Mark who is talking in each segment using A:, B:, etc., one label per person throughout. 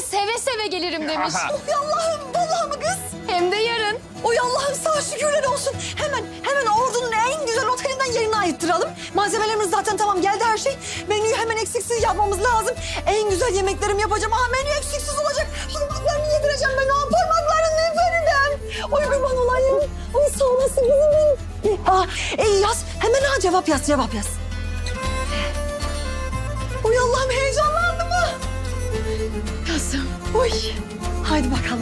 A: seve seve gelirim demiş.
B: Oy Allah'ım, vallahi mı kız?
A: Hem de yarın.
B: Oy Allah'ım sağ şükürler olsun. Hemen ordunun en güzel otelinden yerini ayırttıralım. Malzemelerimiz zaten tamam, geldi her şey. Menüyü hemen eksiksiz yapmamız lazım. En güzel yemeklerimi yapacağım. Menü eksiksiz olacak. Parmaklarını yedireceğim ben o parmaklarını efendim. Oy kurban olayım. Oy sağ olasın kızım benim. Yaz. Hemen cevap yaz. Oy Allah'ım heyecanlandım ha.
A: Kızım.
B: Oy. Haydi bakalım.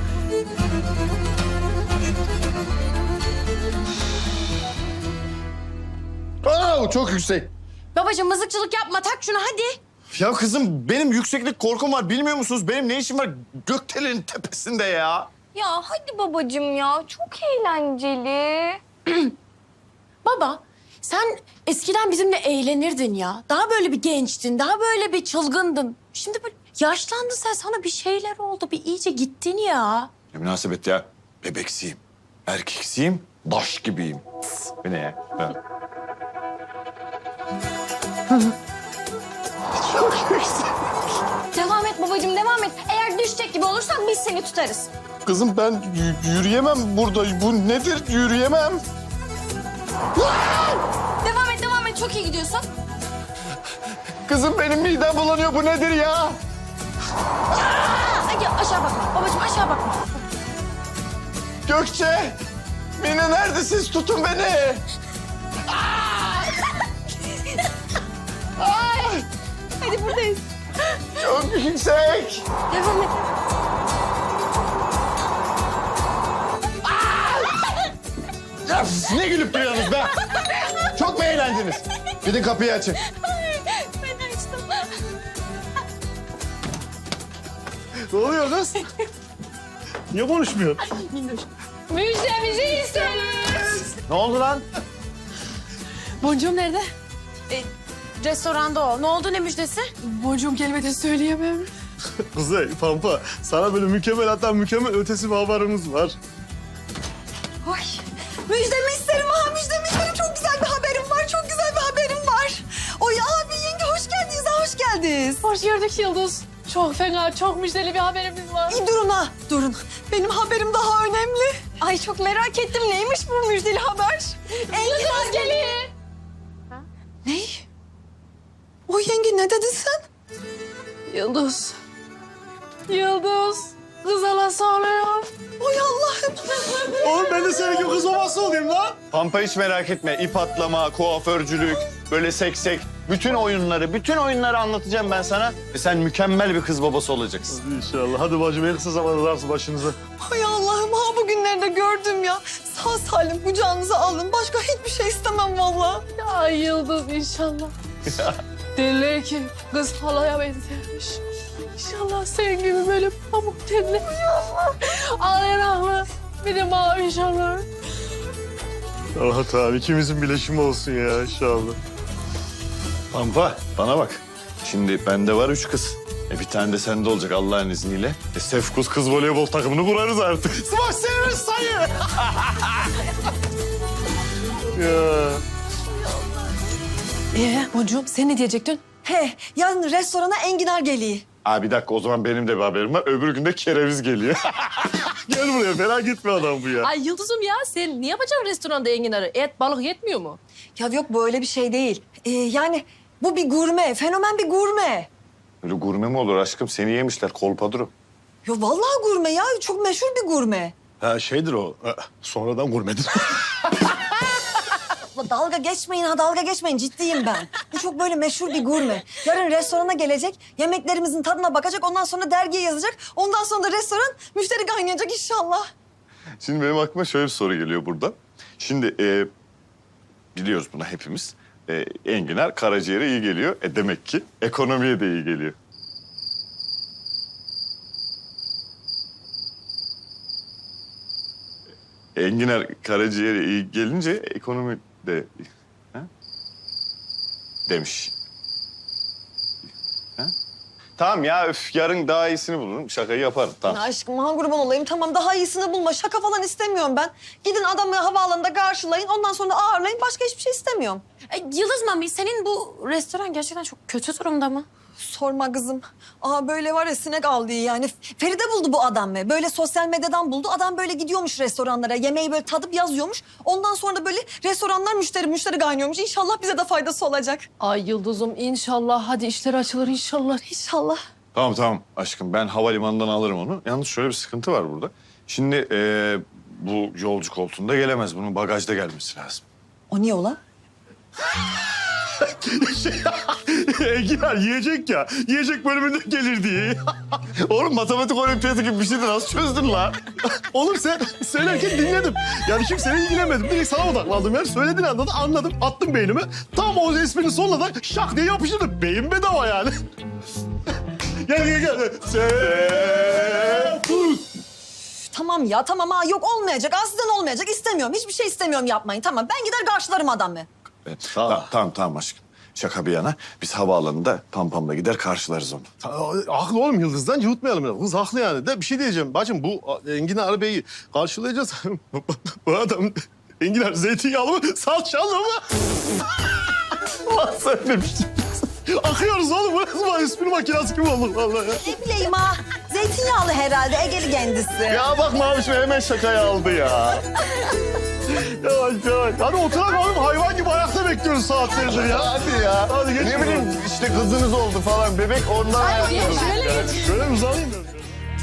C: Çok yüksek.
A: Babacığım mızıkçılık yapma, tak şunu hadi.
C: Ya kızım benim yükseklik korkum var, bilmiyor musunuz? Benim ne işim var gökdelenin tepesinde ya?
A: Ya hadi babacığım ya, çok eğlenceli. Baba, sen eskiden bizimle eğlenirdin ya. Daha böyle bir gençtin, daha böyle bir çılgındın. Şimdi böyle yaşlandın sen, sana bir şeyler oldu. Bir iyice gittin ya.
C: Ne münasebet ya? Bebeksiyim, erkeksiyim, daş gibiyim. Bu ne ya? Çok yüksek.
A: Devam et babacığım, devam et. Eğer düşecek gibi olursan biz seni tutarız.
C: Kızım ben yürüyemem burada. Bu nedir? Yürüyemem.
A: Devam et. Çok iyi gidiyorsun.
C: Kızım benim midem bulanıyor. Bu nedir ya?
A: Hadi aşağı bakma. Babacığım aşağı bakma.
C: Gökçe! Mine neredesiniz? Tutun beni.
A: Hadi buradayız.
C: Çok yüksek.
A: Devam et.
C: Ya ne gülüp duruyorsunuz be? Çok mu eğlendiniz? Gidin kapıyı açın.
A: Ben açtım.
C: Ne oluyor kız? Niye konuşmuyor?
A: Müjdemizi isteriz.
C: Ne oldu lan?
A: Boncuğum nerede? Restoranda o. Ne oldu, ne müjdesi? Boncuğum kelimede söyleyemem.
D: Kuzey, Pampa, sana böyle mükemmel, hatta mükemmel ötesi bir haberimiz var.
B: Oy. Müjdemi isterim müjdemi isterim. Çok güzel bir haberim var. Oy abi yenge hoş geldiniz hoş geldiniz.
E: Hoş gördük Yıldız. Çok fena, çok müjdeli bir haberimiz var.
B: Durun. Benim haberim daha önemli.
A: Ay çok merak ettim. Neymiş bu müjdeli haber?
E: Yıldız geliyor.
B: Ne? Oy yenge ne dedin sen?
E: Yıldız. Kız halası oluyor.
B: Oy Allah'ım.
D: Oğlum ben de senin gibi kız babası olayım lan.
C: Pampa hiç merak etme. İp atlama, kuaförcülük, böyle seksek. Bütün oyunları anlatacağım ben sana. Ve sen mükemmel bir kız babası olacaksın.
D: İnşallah. Hadi bacım en kısa zamanda darsı başınıza.
B: Oy Allah'ım bugünlerde gördüm ya. Sağ salim kucağınıza alın. Başka hiçbir şey istemem vallahi.
E: Ya Yıldız inşallah. Derler ki kız halaya benzermiş. İnşallah senin gibi böyle pamuk tenli. Ağlayanaklı. Bir de mavi inşallah.
D: Allah Teala ikimizin bileşimi olsun ya inşallah.
C: Pampa bana bak. Şimdi bende var 3 kız. Bir tane de sende olacak Allah'ın izniyle.
D: Sefkus kız voleybol takımını kurarız artık.
C: Smash Severs sayı.
D: Ya.
E: Boncuğum sen ne diyecektin?
B: Yarın restorana enginar geliyor.
C: Bir dakika o zaman benim de bir haberim var. Öbür gün de kereviz geliyor.
D: Gel buraya merak etme adam bu ya.
E: Ay Yıldız'ım ya sen ne yapacaksın restoranda enginarı? Et, balık yetmiyor mu?
B: Ya yok böyle bir şey değil. Yani bu bir gurme, fenomen bir gurme.
C: Öyle gurme mi olur aşkım? Seni yemişler kolpaduru.
B: Ya vallahi gurme ya. Çok meşhur bir gurme.
D: Ha şeydir o. Sonradan gurmedir.
B: Dalga geçmeyin. Ciddiyim ben. Bu çok böyle meşhur bir gurme. Yarın restorana gelecek, yemeklerimizin tadına bakacak, ondan sonra dergiye yazacak. Ondan sonra da restoran müşteri kaynayacak inşallah.
C: Şimdi benim aklıma şöyle bir soru geliyor burada. Şimdi biliyoruz bunu hepimiz. Enginar karaciğere iyi geliyor. Demek ki ekonomiye de iyi geliyor. Enginar karaciğere iyi gelince ekonomi de... Ha? Demiş. Ha? Tamam ya yarın daha iyisini bulurum. Şakayı yaparım tamam.
B: Ya aşkım kurban olayım. Tamam daha iyisini bulma. Şaka falan istemiyorum ben. Gidin adamı havaalanında karşılayın. Ondan sonra ağırlayın. Başka hiçbir şey istemiyorum.
A: Yıldız Mami, senin bu restoran gerçekten çok kötü durumda mı?
B: Sorma kızım. Aa böyle var ya sinek aldı yani. Feride buldu bu adam be. Böyle sosyal medyadan buldu. Adam böyle gidiyormuş restoranlara. Yemeği böyle tadıp yazıyormuş. Ondan sonra da böyle restoranlar müşteri kaynıyormuş. İnşallah bize de faydası olacak.
E: Ay Yıldız'ım inşallah. Hadi işler açılır inşallah.
B: İnşallah.
C: Tamam aşkım ben havalimanından alırım onu. Yalnız şöyle bir sıkıntı var burada. Şimdi bu yolcu koltuğunda gelemez. Bunun bagajda gelmesi lazım.
B: O niye ola?
D: Enginar yiyecek ya. Yiyecek bölümünde gelir diye.
C: Oğlum matematik olimpiyatı gibi bir şeydi nasıl çözdün la?
D: Oğlum sen söylerken dinledim. Yani şimdi seni ilgilenmedim. Direkt sana odaklandım yani. Söylediğin anda da anladım. Attım beynime. Tam o esprinin sonuna da şak diye yapıştırdım. Beyin bedava yani. gel.
B: Tamam ya tamam ha yok olmayacak. Aslında olmayacak. İstemiyorum. Hiçbir şey istemiyorum yapmayın. Tamam ben gider karşılarım adamı.
C: Tamam aşkım. Şaka bir yana biz havaalanında Pampam'la gider karşılarız onu.
D: Haklı oğlum Yıldız'dan yutmayalım. Ya. Kız haklı yani. De bir şey diyeceğim. Bacım bu Enginar Bey'i karşılayacağız. Bu adam Enginar zeytinyağlı mı salçalı mı? Lan sen ne biçim? Akıyoruz oğlum. Bu espri makinesi gibi olduk vallahi.
B: Ne bileyim ha. Zeytinyağlı herhalde. Egeli kendisi.
C: Ya bak Maviş Bey hemen şakayı aldı ya.
D: Yavaş. Hadi oturalım oğlum. Hayvan gibi ayakta bekliyoruz saatlerdir ya.
C: Hadi ya.
D: Hadi geç.
C: Ne bileyim işte kızınız oldu falan bebek ondan ayakta.
D: Şöyle bir uzanayım ben.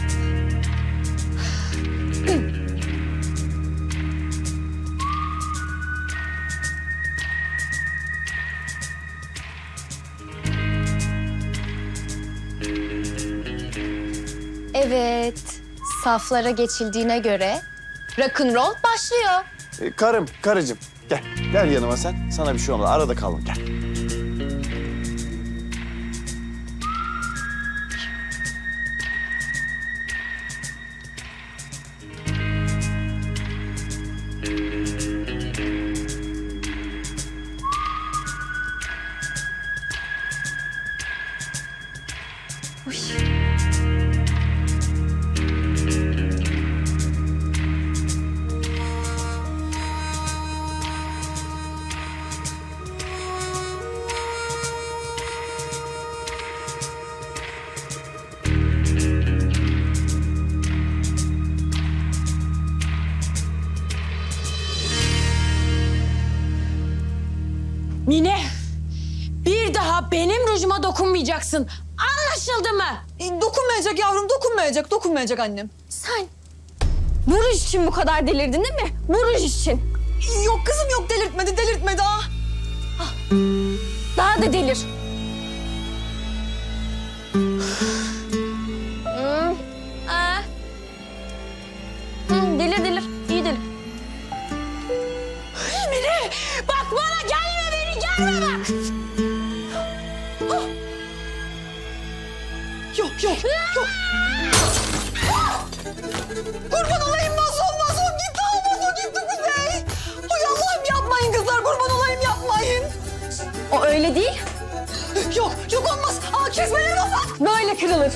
F: Evet, saflara geçildiğine göre rock'n'roll başlıyor.
C: Karıcığım gel yanıma sen. Sana bir şey olmaz. Arada kalın gel.
A: Mine, bir daha benim rujuma dokunmayacaksın. Anlaşıldı mı?
B: Dokunmayacak yavrum. Dokunmayacak annem.
F: Sen bu ruj için bu kadar delirdin değil mi? Bu ruj için.
B: Yok kızım yok. Delirtmedi ha.
F: Daha da delir. Delir, iyi delir.
A: Mine, bak bana gelme beni, gelme bak.
B: Yok. Kurban olayım Mazlum gitti. Mazlum gitti Kuzey. Ay Allah'ım yapmayın kızlar. Kurban olayım yapmayın.
F: O öyle değil,
B: Yok olmaz. Aa kesmeyin Mazlum.
F: böyle kırılır.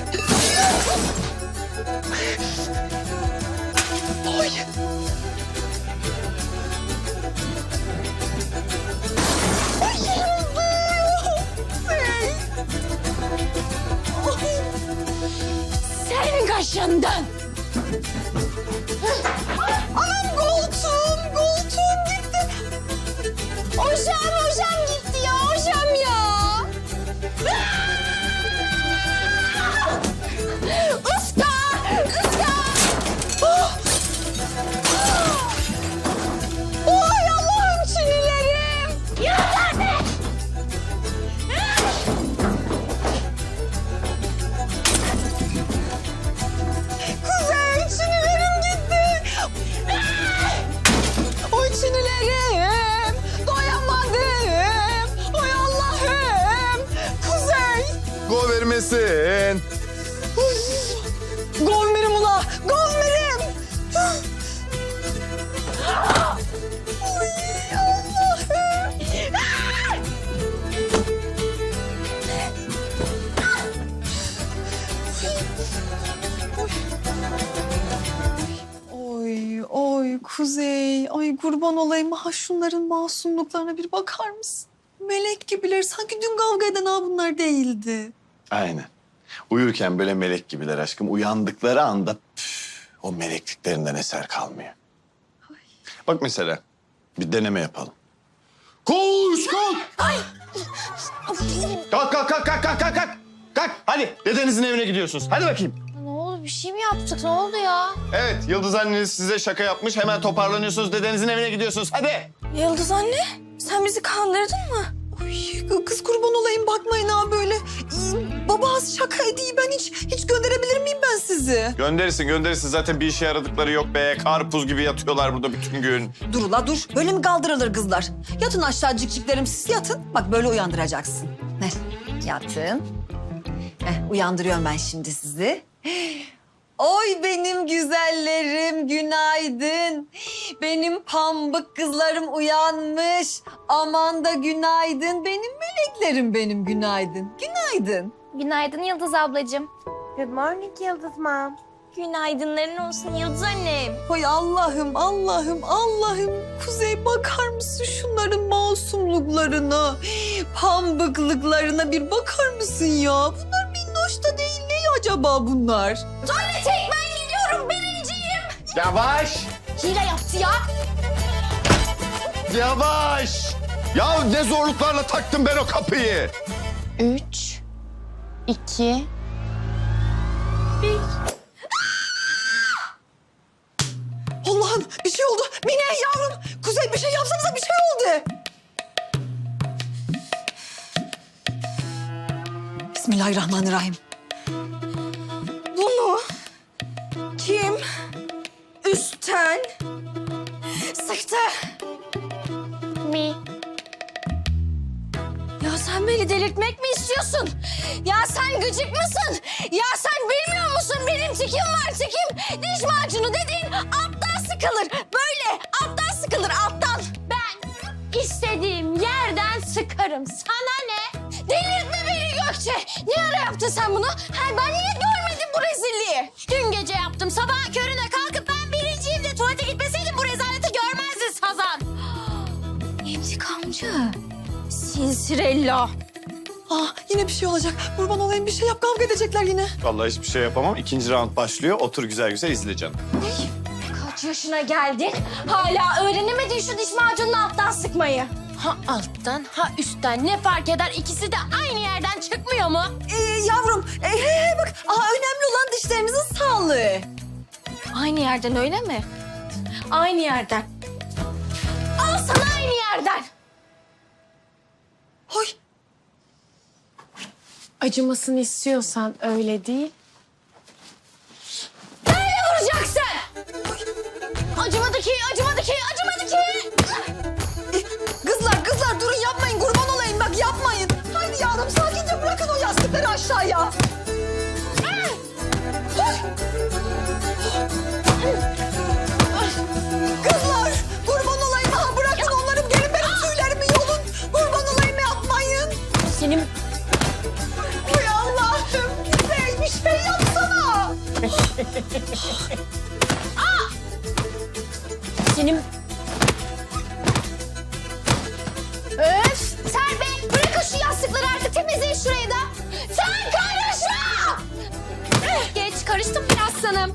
B: Ay. Ay yırıldı. Kuzey.
A: Senin kaşından.
B: Anam koltuğum gitti.
F: Hocam gitti ya, hocam ya. Iska!
B: Ay Allah'ım çinilerim.
F: Yeter be!
B: Kuzey çinilerim gitti. Oy çinilerim. Doyamadım. Oy Allah'ım. Kuzey.
C: Go vermesin.
B: Govmerim ula. Govmerim. Oy Allah'ım. Oy Kuzey. Ay kurban olayım. Ha şunların masumluklarına bir bakar mısın? Melek gibiler. Sanki dün kavga eden ha bunlar değildi.
C: Aynen. Uyurken böyle melek gibiler aşkım. Uyandıkları anda o melekliklerinden eser kalmıyor. Bak mesela bir deneme yapalım. Koş kalk. Kalk kalk kalk kalk kalk kalk kalk. Kalk hadi dedenizin evine gidiyorsunuz. Hadi bakayım.
A: Ne oldu? Bir şey mi yaptık? Ne oldu ya?
C: Evet Yıldız anneniz size şaka yapmış. Hemen toparlanıyorsunuz dedenizin evine gidiyorsunuz. Hadi.
A: Yıldız anne, sen bizi kandırdın mı?
B: Ay, kız kurban olayım bakmayın ha böyle. Baba az şaka edeyim ben hiç gönderebilir miyim ben sizi?
C: Gönderirsin. Zaten bir işe yaradıkları yok be. Karpuz gibi yatıyorlar burada bütün gün.
B: Dur ula dur. Böyle mi kaldırılır kızlar? Yatın aşağı cikciklerim siz yatın. Bak böyle uyandıracaksın. Yatın. Uyandırıyorum ben şimdi sizi. Oy benim güzellerim günaydın. Benim pambık kızlarım uyanmış. Aman da günaydın. Benim meleklerim benim günaydın. Günaydın.
F: Günaydın Yıldız ablacığım.
G: Good morning Yıldız Mom.
F: Günaydınların olsun Yıldız annem.
B: Oy Allah'ım. Kuzey bakar mısın şunların masumluklarına, pambıklıklarına bir bakar mısın ya? Bunlar minnoş da değil. Ne acaba bunlar?
F: Tek ben gidiyorum birinciyim.
C: Yavaş.
F: Hile yaptı ya.
C: Yavaş. Ya ne zorluklarla taktım ben o kapıyı.
A: 3, 2,
B: Allah'ım bir şey oldu. Mine yavrum. Kuzey bir şey yapsanıza bir şey oldu. Bismillahirrahmanirrahim.
A: Bunu kim üstten sıktı?
F: Mi?
A: Ya sen beni delirtmek mi istiyorsun? Ya sen gıcık mısın? Ya sen bilmiyor musun benim tikim var tikim. Diş macunu dediğin alttan sıkılır. Böyle alttan sıkılır alttan.
F: Ben istediğim yerden sıkarım. Sana ne?
A: Delirtme beni Gökçe. Ne ara yaptın sen bunu? Ha, ben niye görmedim bu rezilliği?
F: Dün gece yaptım. Sabah körüne kalkıp ben birinciyim de tuvalete gitmeseydim bu rezaleti görmezdin Sazan.
A: İntikamcı. Sinsirella.
B: Yine bir şey olacak. Kurban olayım bir şey yap. Kavga edecekler yine.
C: Vallahi hiçbir şey yapamam. İkinci round başlıyor. Otur güzel güzel izle canım.
A: Kaç yaşına geldin? Hala öğrenemedin şu diş macununu alttan sıkmayı.
F: Ha alttan ha üstten ne fark eder? İkisi de aynı yerden çıkmıyor mu?
B: Yavrum bak önemli olan dişlerinizin sağlığı.
A: Aynı yerden öyle mi? Aynı yerden. Al sana aynı yerden.
B: Oy.
E: Acımasını istiyorsan öyle değil.
A: Böyle vuracaksın. Acımadı ki, acımadı ki, acımadı ki.
B: Kızlar durun yapmayın. Kurban olayım bak yapmayın. Haydi yavrum sakince bırakın o yastıkları aşağıya. Kızlar kurban olayım ha bırakın onları gelin benim tüylerimi yolun. Kurban olayım yapmayın.
F: Senin
B: Oy Allah'ım Kuzey bir şey yapsana.
F: senin... Öf! Serpil bırakın şu yastıkları artık temizleyin şurayı da. Sen karışma! Geç karıştım biraz sanım.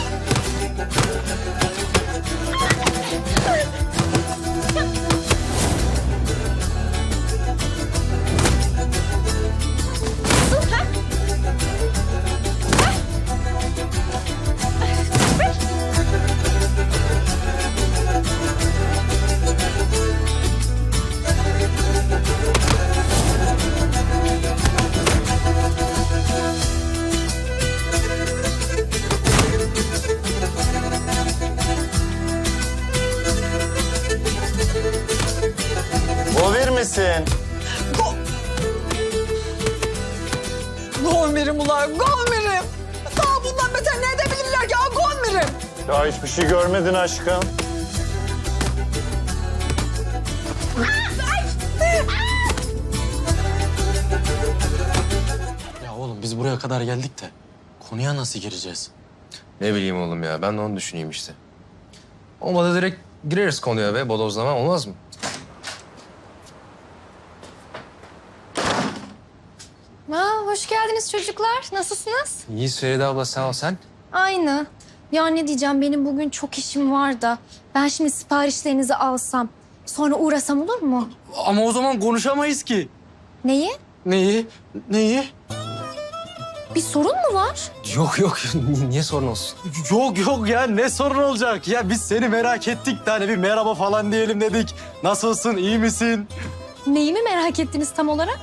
C: O vermesin.
B: Golmerim ulan golmerim. Daha bundan beter ne edebilirler ya golmerim.
C: Ya hiçbir şey görmedin aşkım.
H: Ya oğlum biz buraya kadar geldik de konuya nasıl gireceğiz?
I: Ne bileyim oğlum ya. Ben de onu düşüneyim işte. Olmadı direkt gireriz konuya ve bodozlama olmaz mı?
F: Hoş geldiniz çocuklar. Nasılsınız?
I: İyi Feride abla sağ ol sen.
F: Aynı. Ya ne diyeceğim, benim bugün çok işim var da ben şimdi siparişlerinizi alsam sonra uğrasam olur mu?
H: Ama o zaman konuşamayız ki.
F: Neyi?
H: Neyi? Neyi?
F: Bir sorun mu var?
I: Yok yok niye sorun olsun?
H: Yok ya ne sorun olacak? Ya biz seni merak ettik de hani bir merhaba falan diyelim dedik. Nasılsın, iyi misin?
F: Neyi mi merak ettiniz tam olarak?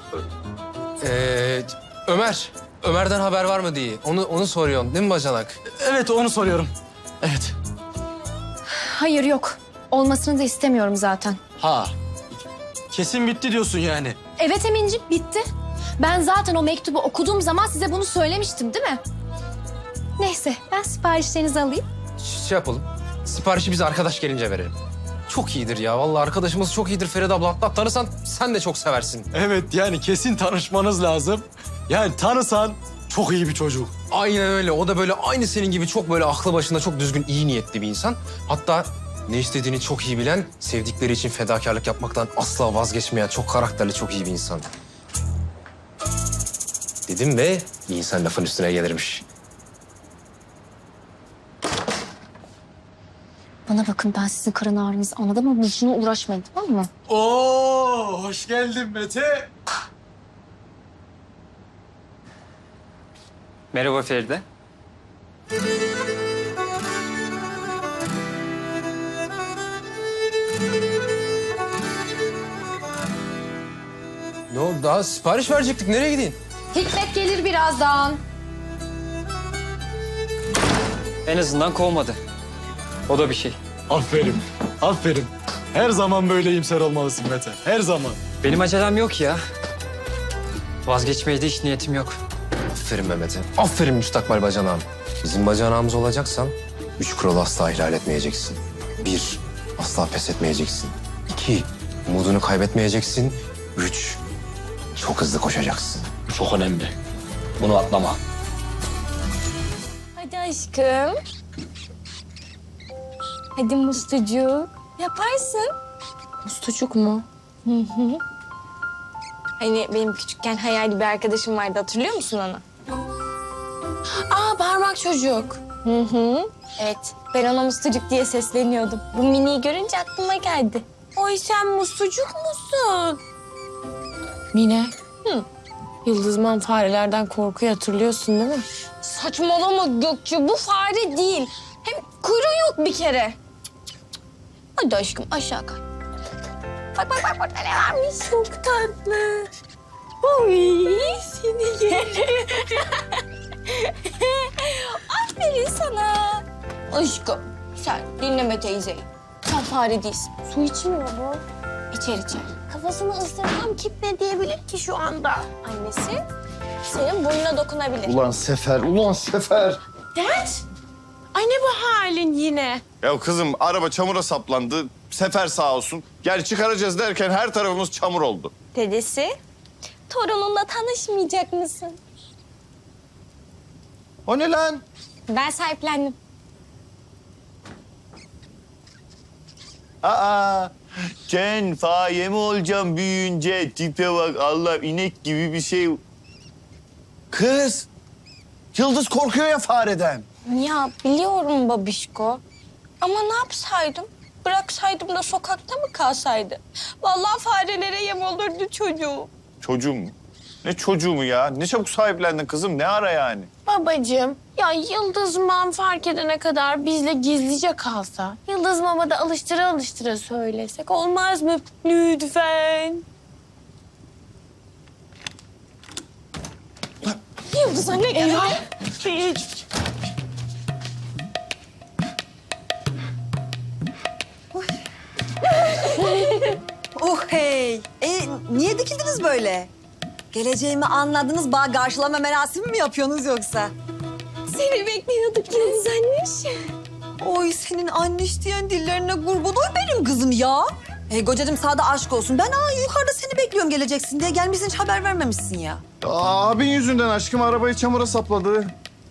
I: Ömer'den haber var mı diye. Onu soruyorsun değil mi bacanak?
H: Evet onu soruyorum. Evet.
F: Hayır yok. Olmasını da istemiyorum zaten.
H: Ha. Kesin bitti diyorsun yani.
F: Evet Emin'ciğim, bitti. Ben zaten o mektubu okuduğum zaman size bunu söylemiştim değil mi? Neyse, ben siparişlerinizi alayım.
I: Şey yapalım. Siparişi biz arkadaş gelince verelim. Çok iyidir ya. Vallahi arkadaşımız çok iyidir Feride abla. Hatta tanısan sen de çok seversin.
H: Evet yani kesin tanışmanız lazım. Yani tanısan çok iyi bir çocuk.
I: Aynen öyle. O da böyle aynı senin gibi çok böyle aklı başında çok düzgün, iyi niyetli bir insan. Hatta ne istediğini çok iyi bilen, sevdikleri için fedakarlık yapmaktan asla vazgeçmeyen, çok karakterli, çok iyi bir insan. Dedim ve iyi insan lafın üstüne gelirmiş.
F: Bana bakın, ben sizin karın ağrınızı anladım ama boşuna uğraşmayın, tamam mı?
H: Oo, hoş geldin Mete.
J: Merhaba Feride.
I: Ne oldu? Daha sipariş verecektik. Nereye gideyim?
F: Hikmet gelir birazdan.
J: En azından kovmadı. O da bir şey.
H: Aferin, aferin. Her zaman böyle iyimser olmalısın Mete, her zaman.
J: Benim acelem yok ya. Vazgeçmeye de hiç niyetim yok.
I: Aferin Mehmet'e. Aferin müstakbel bacanağım. Bizim bacanağımız olacaksan 3 kuralı asla ihlal etmeyeceksin. 1, asla pes etmeyeceksin. 2, umudunu kaybetmeyeceksin. 3, çok hızlı koşacaksın.
H: Bu çok önemli. Bunu atlama.
A: Hadi aşkım. Hadi mustucuk. Yaparsın. Mustucuk mu? Hı hı. Hani benim küçükken hayali bir arkadaşım vardı, hatırlıyor musun onu? Aa, parmak çocuk. Hı hı. Evet, ben ona mustucuk diye sesleniyordum. Bu miniyi görünce aklıma geldi. Oy, sen mustucuk musun? Mine. Hı. Yıldızman farelerden korkuyu hatırlıyorsun değil mi? Saçmalama Gökçe, bu fare değil. Hem kuyruğu yok bir kere. Hadi aşkım, aşağı kay. Bak burada ne varmış? Çok tatlı. Oy, seni yerim. Aferin sana. Aşkım, sen dinleme teyzeyi. Sen fare değilsin. Su içmiyor bu. İçer. Kafasını ısırsam kim ne diyebilir ki şu anda? Annesi senin burnuna dokunabilir.
C: Ulan Sefer.
A: Dert? Ay ne bu halin yine?
C: Ya kızım araba çamura saplandı. Sefer sağ olsun. Gel çıkaracağız derken her tarafımız çamur oldu.
A: Dedesi, torununla tanışmayacak mısın?
C: O ne lan?
A: Ben sahiplendim.
C: Aa, Ken faye mi olacağım büyüyünce? Tipe bak Allah, inek gibi bir şey. Kız, Yıldız korkuyor ya fareden.
A: Ya biliyorum babişko. Ama ne yapsaydım? Bıraksaydım da sokakta mı kalsaydı? Vallahi farelere yem olurdu çocuğu.
C: Çocuğum mu? Ne çocuğu mu ya? Ne çabuk sahiplendin kızım, ne ara yani?
A: Babacığım, ya Yıldız Mam fark edene kadar bizle gizlice kalsa... Yıldız Mam'a da alıştıra söylesek olmaz mı? Lütfen. Yıldız anne geldi.
B: Oh hey. Niye dikildiniz böyle? Geleceğimi anladınız, bağ karşılama merasimi mi yapıyorsunuz yoksa?
A: Seni bekliyorduk Yıldız anne.
B: Oy senin anneş diyen dillerine kurban oy benim kızım ya. Kocacığım sağda aşk olsun. Ben yukarıda seni bekliyorum geleceksin diye. Gelmişsin hiç haber vermemişsin ya.
C: Abin yüzünden aşkım arabayı çamura sapladı.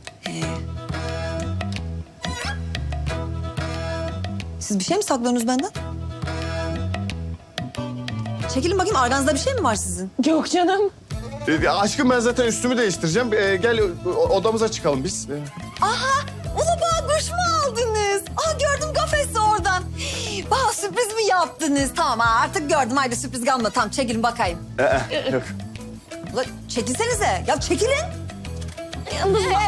B: Siz bir şey mi saklıyorsunuz benden? Çekilin bakayım, arganızda bir şey mi var sizin?
A: Yok canım.
D: Aşkım ben zaten üstümü değiştireceğim. Gel odamıza çıkalım biz.
B: Aha! Ulu bana kuş mu aldınız? Aa gördüm kafesi oradan. Bana sürpriz mi yaptınız? Tamam artık gördüm. Haydi sürpriz kalmadı. Tamam çekilin bakayım.
C: Yok.
B: Ulan çekilsenize. Ya çekilin.
A: Yıldız bak.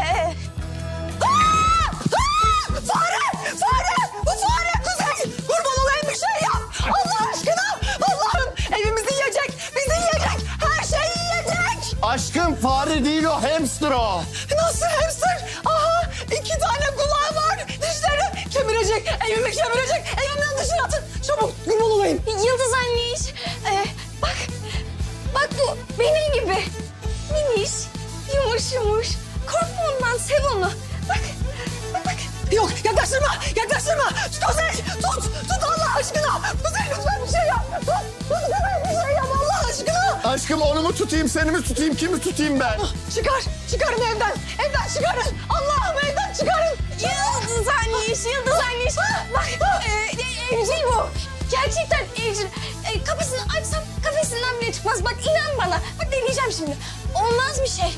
B: Fare! Fare! Bu fare! Kuzey! Kurban olayım bir şey yap! Allah aşkına! Allah'ım! Evimizi yiyecek! Bizi yiyecek! Her şeyi yiyecek!
D: Aşkım fare değil o, hamster o.
B: Nasıl hamster? Aha! 2 tane kulağı var! Dişleri kemirecek! Evimi kemirecek! Evimden dışarı atın! Çabuk! Kurban olayım!
A: Yıldız anneş. Bak. Bak bu benim gibi. Miniş. Yumuş yumuş. Korkma ondan, sev onu. Bak. Bak bak.
B: Yok yaklaştırma! Yaklaştırma! Kuzey! Tut! Tut Allah aşkına! Kuzey lütfen bir şey yap! Tut! Tut Kuzey bir şey yap Allah aşkına!
D: Aşkım onu mu tutayım, seni mi tutayım, kimi tutayım ben?
B: Çıkar! Çıkarın evden! Evden çıkarın! Allah'ım evden çıkarın!
A: Yıldız anneş, Yıldız anneş. Bak, evcil bu. Gerçekten evcil. Kafesini açsam kafesinden bile çıkmaz. Bak inan bana. Bak deneyeceğim şimdi. Olmaz bir şey.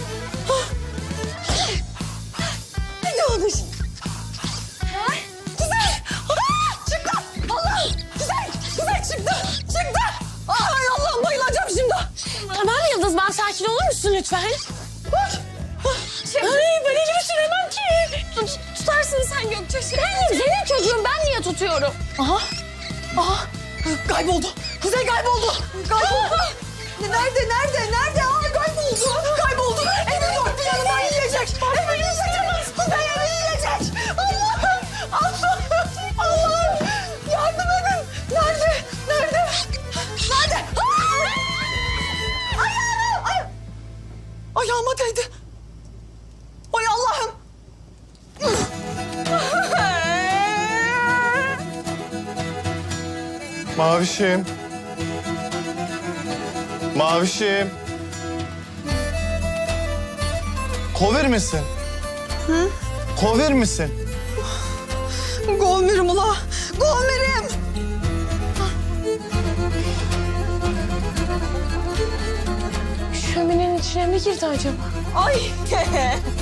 B: Ne olmuş? Kuzey! Çıktı! Allah! Kuzey! Kuzey çıktı! Çıktı! Ay Allah'ım bayılacağım şimdi!
A: Tamam Yıldız, ben sakin olur musun lütfen? Ay ben elimi süremem ki. Tutarsın sen Gökçe. Senin çocuğun, ben niye tutuyorum?
B: Aha! Kayboldu! Kuzey kayboldu! Kayboldu! Nerede? Aa kayboldu! Kayboldu! Evin dört bir yanından yiyecek! Evi yiyecek! Kuzey evi yiyecek! Allah'ım! Allah'ım! Yardım edin! Nerede? Ayağıma değdi. Ay Allah'ım!
D: Mavişim. Mavişim. Kovir misin? Hı? Kovir misin?
B: Golmerim ula! Golmerim!
A: Şöminenin içine mi girdi acaba?
B: Ay!